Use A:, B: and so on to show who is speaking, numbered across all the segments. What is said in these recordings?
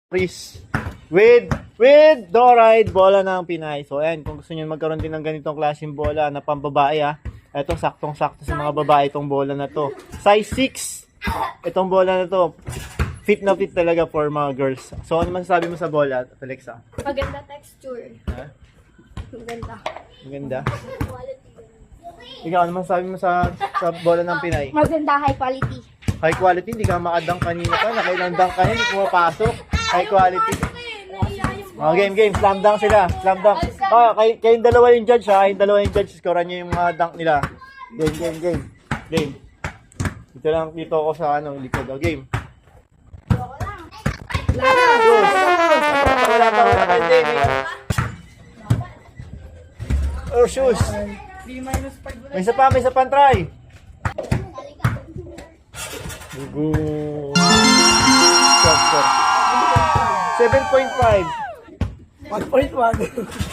A: Chris with Doride bola ng Pinay. So ayan, kung gusto niyo magkaroon din ng ganitong klaseng bola na pambabae ito saktong-sakto sa mga babae itong bola na to. Size 6. Itong bola na to. Fit na fit talaga for mga girls. So ano man sabi mo sa bola, Alexa?
B: Maganda texture.
A: Ha?
B: Maganda.
A: Maganda. Ikaw, ano man sabi mo sa bola ng Pinay?
B: Maganda, high quality.
A: High quality, hindi ka makadang kanina pa. Nakailang dunk ka, hindi pumapasok. High quality. Oh, game. Slam dunk sila. Slam dunk. Kayong dalawa yung judge ha. Kayong dalawa yung judge. Scorean nyo yung mga dunk nila. Game. Dito ako sa likod. Oh, game. Wala pa. Or shoes. May isa pa try. Score. 7.5.
C: 1.1.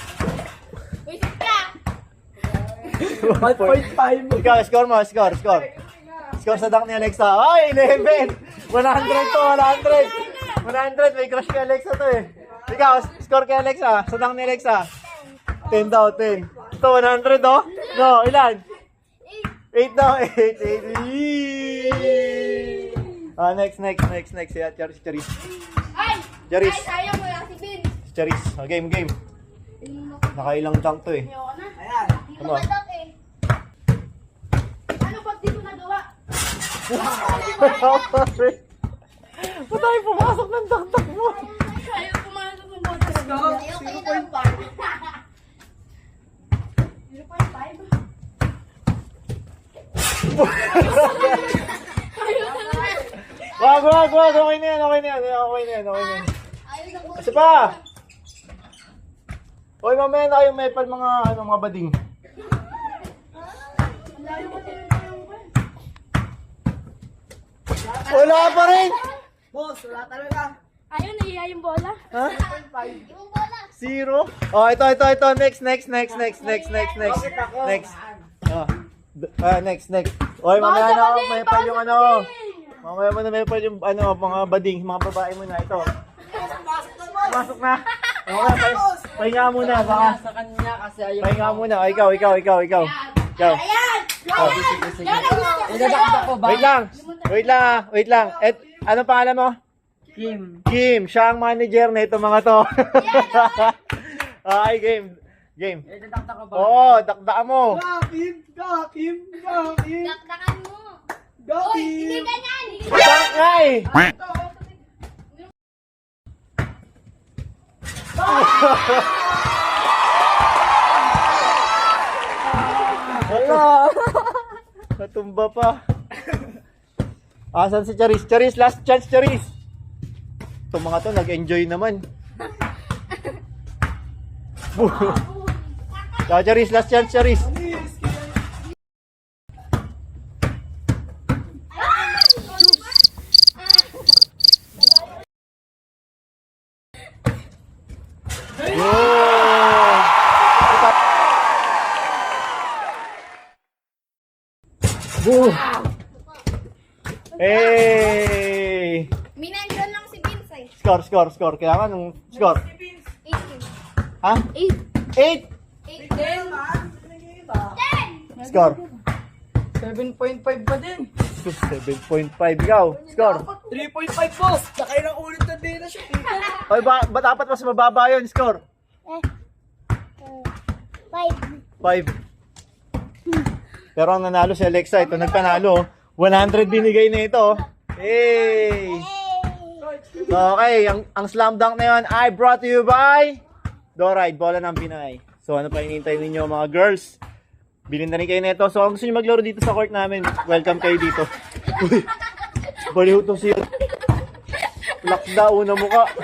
C: 1.5.
A: Ikaw, score mo. Score sa dunk ni Alexa. Ay, 11. 100 to, 100. May crush kay Alexa to eh. Ikaw, score kay Alexa. Sa dunk ni Alexa. 10 daw, 10. Ito, 100 oh. No, ilan? 8 daw, 8. Next. Charis. Charis.
B: Sayang mo lang si Vince.
A: Charis. Game. Nakailang dunk to eh.
C: Ayan.
A: Ano?
B: Ano pag di ko nagawa?
A: Ba't tayo pumasok ng dunk mo?
B: Ayaw pumasok ng botas.
C: Go.
B: 0.5.
A: Wag. Okay na yan. Kasi pa. Hoy, mamaya na kayong mepal mga bading. Wala pa rin.
C: Boss, wala talaga.
B: Ayaw, nahiya yung bola.
A: Ha?
C: 1.5.
A: 0? Oh, ito. Next. Next. Next. Hoy, mamaya na ako mepal yung Mamaya mo na mepal yung mga bading, mga babae mo na ito. Pasok na. Okay, pahinga muna. Baka.
C: Sa kanya kasi ayaw.
A: Pahinga muna. Ikaw.
B: Ayan!
A: Oh.
C: Idadakdak ko ba?
A: Wait lang. Ano pangalan mo? Kim. Siya ang manager na ito mga to. Okay, game.
C: Idadakdak ko ba?
A: Oo, dakdaan mo.
C: Kim.
B: Dakdakan mo.
C: Go,
B: Hindi
C: Kim.
B: ganyan.
A: Dakay! Wala. Natumba pa. Asan si Charis? Charis, last chance, Charis. Itong mga to, nag-enjoy naman. Charis, last chance, Charis. Boom! Hey!
B: Minandron lang si Vince eh.
A: Score. Kailangan ng score.
B: 8.
A: Ha? 8!
B: 10.
A: Score.
C: 7.5 pa din.
A: 7.5 ikaw. Score.
C: 3.5 boss. Nakailang ulit na din na siya.
A: Ay, ba dapat mas mababa yun? Score. 5. Pero ang nanalo si Alexa, ito nagpanalo. 100 binigay na ito. Hey! Okay, ang slam dunk na yun ay brought to you by Doride, bola ng Pinay. So ano pa hinihintay ninyo mga girls? Bilhin na rin kayo nito. So kung gusto nyo maglaro dito sa court namin, welcome kayo dito. Uy, baliw to siya. Lakda, una mukha.